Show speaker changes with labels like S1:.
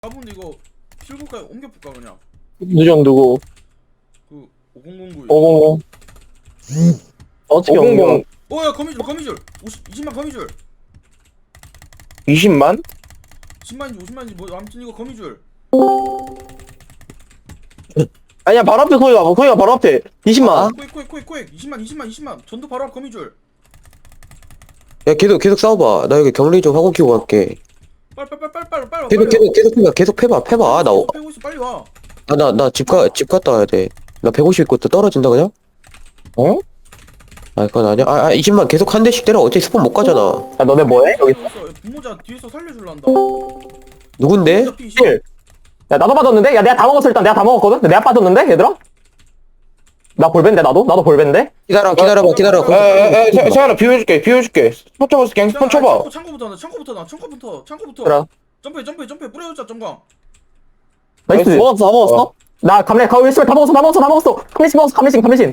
S1: 4분데 이거 필구까지 옮겨볼까 그냥.
S2: 누정 누구?
S1: 그 5009.
S2: 500. 어떻게
S3: 500.
S2: 옮겨?
S1: 어야 거미줄 20만 거미줄.
S3: 20만?
S1: 10만인지 50만인지 뭐 아무튼 이거 거미줄.
S2: 아니야 바로 앞에 거기가 바로 앞에 20만.
S1: 코엑 20만 전도 바로 앞 거미줄.
S4: 야 계속 싸워봐. 나 여기 격리 좀 하고 키고 갈게.
S1: 빨리.
S4: 계속 패봐. 나
S1: 패고 있어 빨리 와.
S4: 집 갔다 와야 돼. 나 150 있고 또 떨어진다 그냥?
S2: 어?
S4: 아 그건 아니야. 20만 계속 한 대씩 때려. 어차피 스폰 못 가잖아.
S2: 야 너네 뭐해? 여기
S1: 분모자 뒤에서 살려줄란다.
S4: 누군데?
S1: 분모자 P20.
S2: 야 나도 빠졌는데? 야 내가 다 먹었어. 일단 내가 다 먹었거든? 내가 빠졌는데 얘들아? 나 볼벤데 나도 봐볼벤데?
S4: 기다려봐.
S3: 에에에 세아나 비워줄게 스폰 쳐봤어 갱 스폰 쳐봐.
S1: 창고부터.
S2: 그래.
S1: 점프해 뿌려주자 점광.
S2: 나이스.
S3: 나이스.
S2: 먹었어 다 먹었어? 나 감래 가고 있으면 다 먹었어. 감래신 먹었어. 감래신.